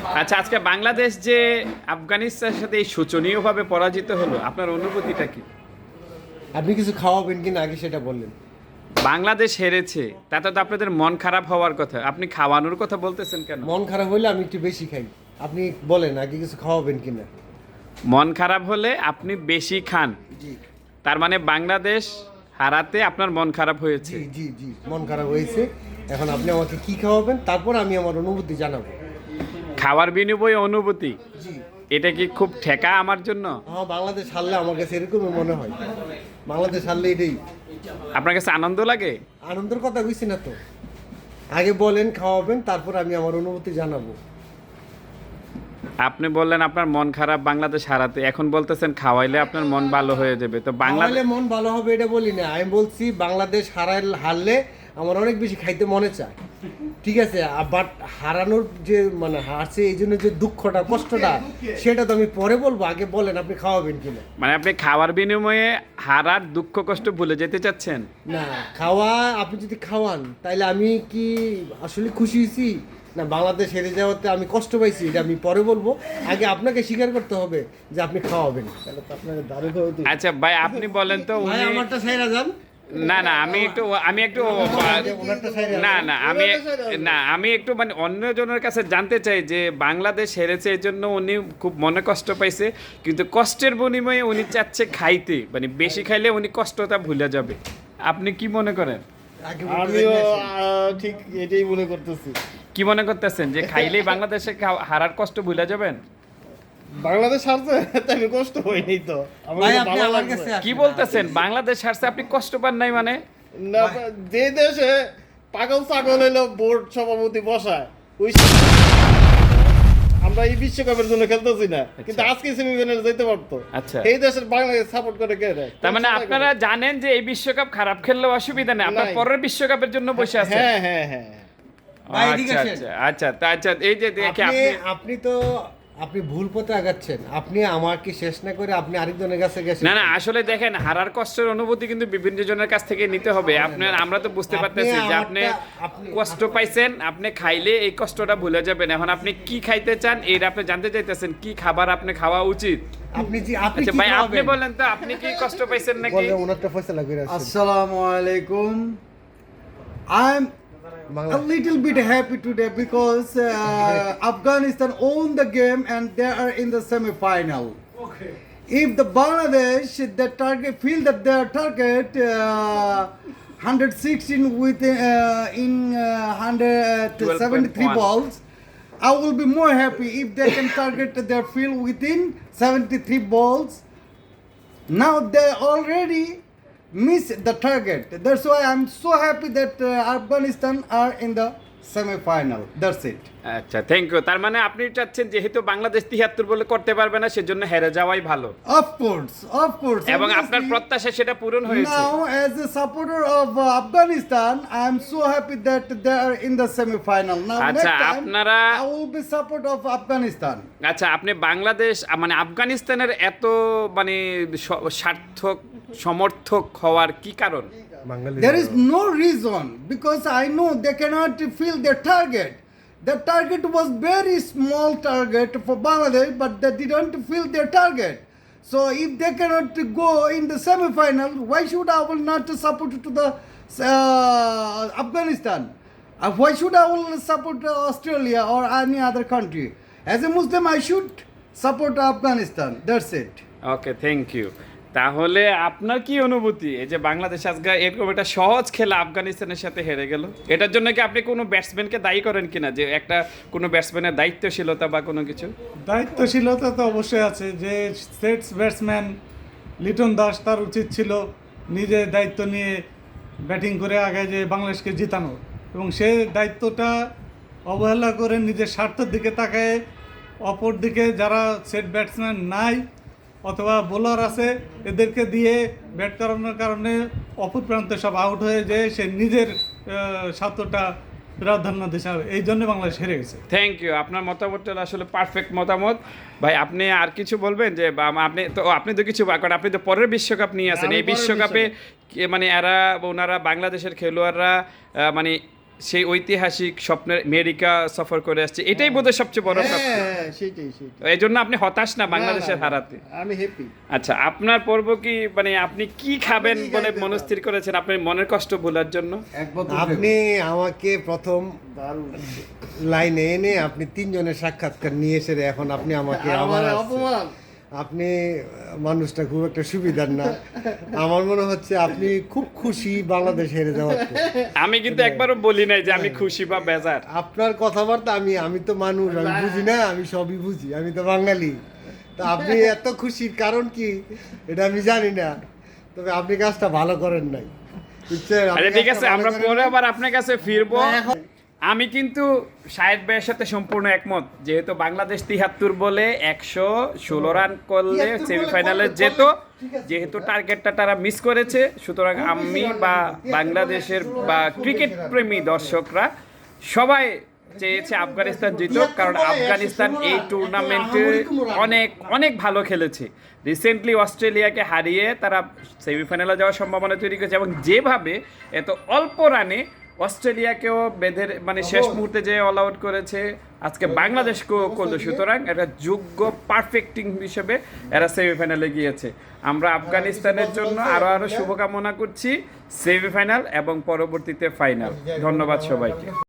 আচ্ছা, আজকে বাংলাদেশ যে আফগানিস্তানের সাথে এই শোচনীয়ভাবে পরাজিত হলো, আপনার অনুভূতিটা কি? আপনি কিছু খাওয়াবেন কিনা আগে সেটা বললেন। বাংলাদেশ হেরেছে, তাতে তো আপনাদের মন খারাপ হওয়ার কথা। আপনি খাওয়ানোর কথা বলতেছেন কেন? মন খারাপ হলে আমি একটু বেশি খাই। আপনি বলেন আগে কিছু খাওয়াবেন কিনা। মন খারাপ হলে আপনি বেশি খান, জি তার মানে বাংলাদেশ হারাতে আপনার মন খারাপ হয়েছে। জি জি জি মন খারাপ হয়েছে। এখন আপনি আমাকে কি খাওয়াবেন, তারপর আমি আমার অনুভূতি জানাবো। খাওয়ার বিনিময়ে অনুভূতি, জি এটা কি খুব ঠেকা আমার জন্য? হ্যাঁ, বাংলাদেশ হারলে আমার কাছে এরকমই মনে হয়। বাংলাদেশ হারলে এটাই আপনার কাছে আনন্দ লাগে? আনন্দের কথা কইছি না তো। আগে বলেন খাওয়াবেন, তারপর আমি আমার অনুভূতি জানাবো। আপনি বললেন আপনার মন খারাপ বাংলাদেশ হারাতে, এখন বলতেছেন খাওয়াইলে আপনার মন ভালো হয়ে যাবে। তো বাংলাদেশ বাংলাদেশ মন ভালো হবে এটা বলি না, আমি বলছি বাংলাদেশ হারলে আমার অনেক বেশি খাইতে মনে চায়। ঠিক আছে, বাট হারানোর যে মানে হারছে এই জন্য যে দুঃখটা কষ্টটা সেটা তো আমি পরে বলবো। আগে বলেন আপনি খাওয়াবেন কিনা। মানে আপনি খাওয়ার বিনিময়ে হারার দুঃখ কষ্ট ভুলে যেতে চাচ্ছেন? না, খাওয়া আপনি যদি খাওয়ান তাইলে আমি কি আসলে খুশি হয়েছি না বাংলাদেশ হেরে যাওয়াতে আমি কষ্ট পাইছি, এটা আমি পরে বলবো। আগে আপনাকে স্বীকার করতে হবে যে আপনি খাওয়াবেন, তাহলে তো আপনাকে দারুণ খাওয়াতে। আচ্ছা ভাই, আপনি বলেন তো ভাই উনি আমারটা ছাইরা যান। না না, আমি একটু ওনারটা ছাইরা না যান। না আমি না আমি একটু মানে অন্যজনের কাছে জানতে চাই যে বাংলাদেশ হেরেছে এই জন্য উনি খুব মনে কষ্ট পাইছে, কিন্তু কষ্টের বিনিময়ে উনি চাচ্ছে খাইতে, মানে বেশি খাইলে উনি কষ্টটা ভুলে যাবে। আপনি কি মনে করেন? আগে বলতে আমিও দেন না। ঠিক এটাই মনে করতেছি। কি মনে করতেছেন যে খাইলেই বাংলাদেশে হারার কষ্ট ভুলে যাবেন? বাংলাদেশ হারছে তাই আমি কষ্ট হয়নি তো, আমার ভাই তো আপনি ভালো আমার লাগছে। কাছে কি আসেন। বলতেছেন? বাংলাদেশ হারছে আপনি কষ্ট পান নাই মানে? না, যে দেশে পাগল ছাগল হইলো বোর্ড সভাপতি বসায়, ওই আমরা এই বিশ্বকাপের জন্য খেলতেছি না, কিন্তু আজকে সেমিফাইনালে যেতে পারতো। আচ্ছা। এই দেশের বাংলাদেশ সাপোর্ট করে কে রে? তার মানে আপনারা জানেন যে এই বিশ্বকাপ খারাপ খেললেও অসুবিধা নেই, আপনার নাই। পরের বিশ্বকাপের জন্য বসে আছেন। হ্যাঁ হ্যাঁ হ্যাঁ। ভাই, এদিকে আচ্ছা আসেন। আচ্ছা আচ্ছা, আচ্ছা এই যে দেখে আপনি আপনি আপনি তো আপনি ভুল পথে আগাচ্ছেন। আপনি আমাকে শেষ না করে আপনি আরেকজনের কাছে গেছেন। না না, আসলে দেখেন হারার কষ্টের অনুভূতি কিন্তু বিভিন্ন জনের কাছ থেকে নিতে হবে। আপনার আমরা তো বুঝতে আপনি পারতেছি যে আপনি আপনি- কষ্ট পাইছেন, আপনি খাইলে এই কষ্টটা ভুলে যাবেন। এখন আপনি কি খাইতে চান এটা আপনি জানতে চাইতেছেন, কি খাবার আপনি খাওয়া উচিত। আপনি আচ্ছা কি ভাই, আপনি খাওয়াবেন? বলেন তো আপনি কি কষ্ট পাইছেন নাকি? বলেন ওনারটা ফয়সালা করে আসেন। Assalamu alaikum. I'm a little bit happy today because Afghanistan won the game and they are in the semi-final. If the Bangladesh the target feel that their target 116 with in 173 12.1. balls, I will be more happy if they can target their field within 73 balls. Now they already miss the target. That's why I'm so happy that Afghanistan are in the semi-final. That's it. আচ্ছা, thank you. তার মানে আপনি চাচ্ছেন যেহেতু বাংলাদেশ 73 বলে করতে পারবে না, সেজন্য হেরে যাওয়াই ভালো, Of course, of course. এবং আপনার Obviously, প্রত্যাশা সেটা পূরণ হয়েছে। now, as a supporter of Afghanistan, I'm so happy that they are in the semi-final. Now, next আচ্ছা, time, আপনারা- I will be support of Afghanistan. আচ্ছা, আপনি বাংলাদেশ মানে আফগানিস্তানের এত মানে সার্থক সমর্থক হওয়ার কি কারণ? Bengali There is no reason because I know they cannot fill their target. The target was very small target for Bangladesh, but they didn't fill their target. So if they cannot go in the semi-final, why should I will not support to the Afghanistan? Why should I will support Australia or any other country? As a Muslim, I should support Afghanistan. That's it. Okay, thank you. তাহলে আপনার কি অনুভূতি এই যে বাংলাদেশ আজকে এরকম একটা সহজ খেলা আফগানিস্তানের সাথে হেরে গেল, এটার জন্য কি আপনি কোনো ব্যাটসম্যানকে দায়ী করেন কিনা, যে একটা কোনো ব্যাটসম্যানের দায়িত্বশীলতা বা কোনো কিছু? দায়িত্বশীলতা তো অবশ্যই আছে। যে সেটস ব্যাটসম্যান লিটন দাস, তার উচিত ছিল নিজে দায়িত্ব নিয়ে ব্যাটিং করে আগে যে বাংলাদেশকে জিতানো, এবং সে দায়িত্বটা অবহেলা করে নিজের স্বার্থের দিকে তাকায় অপর দিকে যারা সেট ব্যাটসম্যান নাই অথবা বোলার আছে এদেরকে দিয়ে ব্যাট করানোর কারণে অপর প্রান্তে সব আউট হয়ে যায়, সে নিজের স্বার্থটা প্রাধান্য দিতে হবে, এই জন্য বাংলাদেশ হেরে গেছে। Thank you. আপনার মতামতটা আসলে পারফেক্ট মতামত। ভাই আপনি আর কিছু বলবেন যে আপনি তো কিছু কারণ আপনি তো পরের বিশ্বকাপ নিয়ে আসেন, আমি এই পরের বিশ্বকাপে মানে ওনারা বাংলাদেশের খেলোয়াড়রা মানে সেই ঐতিহাসিক স্বপ্নের আমেরিকা সফর করে আসছে, এটাই বোধহয় সবচেয়ে বড় প্রাপ্তি। হ্যাঁ সেটাই সেটাই এই জন্য আপনি হতাশ না বাংলাদেশের হারাতে? আমি হ্যাপি। আচ্ছা, আপনার পর্ব কি মানে আপনি কি খাবেন বলে মনস্থির করেছেন আপনার মনের কষ্ট ভোলার জন্য? আপনি আমাকে প্রথম দারুণ। লাইনে এনে আপনি তিনজনের সাক্ষাৎকার নিয়ে এসে এখন আপনি আমাকে আমার আবার আসছে। অপমান। আপনি মানুষটা খুব একটা সুবিধার না। আমার মনে হচ্ছে আপনি খুব খুশি বাংলাদেশ হেরে যাওয়াতে। আমি কিন্তু একবারও বলি নাই যে আমি খুশি বা বেজার। আপনার কথাবার্তা আমি তো মানুষ, আমি বুঝি না, আমি সবই বুঝি, আমি তো বাঙালি। তা আপনি এত খুশির কারণ কি এটা আমি জানি না, তবে আপনি কাজটা ভালো করেন নাই, বুঝছেন? আপনি আচ্ছা ঠিক কাজটা আছে, ভালো আমরা করেন পরে নাই। আবার আপনার কাছে ফিরবো। না, এখন- আমি কিন্তু শাহেদ ভাইয়ের সাথে সম্পূর্ণ একমত, যেহেতু বাংলাদেশ 73 বলে 116 রান করলে 73 বলে সেমিফাইনালে করলে, যেত, ঠিক আছে। যেহেতু টার্গেটটা তারা মিস করেছে, সুতরাং আমি বা বাংলাদেশের বা ক্রিকেট প্রেমী দর্শকরা সবাই চেয়েছে আফগানিস্তান জিতুক, কারণ আফগানিস্তান এই টুর্নামেন্টে অনেক অনেক ভালো খেলেছে। রিসেন্টলি অস্ট্রেলিয়াকে হারিয়ে তারা সেমিফাইনালে যাওয়ার সম্ভাবনা তৈরি করেছে, এবং যেভাবে এত অল্প রানে অস্ট্রেলিয়াকেও বেঁধে মানে শেষ মুহূর্তে যে অল আউট করেছে, আজকে বাংলাদেশকেও করলো, সুতরাং এটা যোগ্য পারফেক্ট টিম হিসেবে এরা সেমিফাইনালে গিয়েছে। আমরা আফগানিস্তানের জন্য আরো শুভকামনা করছি সেমিফাইনাল এবং পরবর্তীতে ফাইনাল। ধন্যবাদ সবাইকে।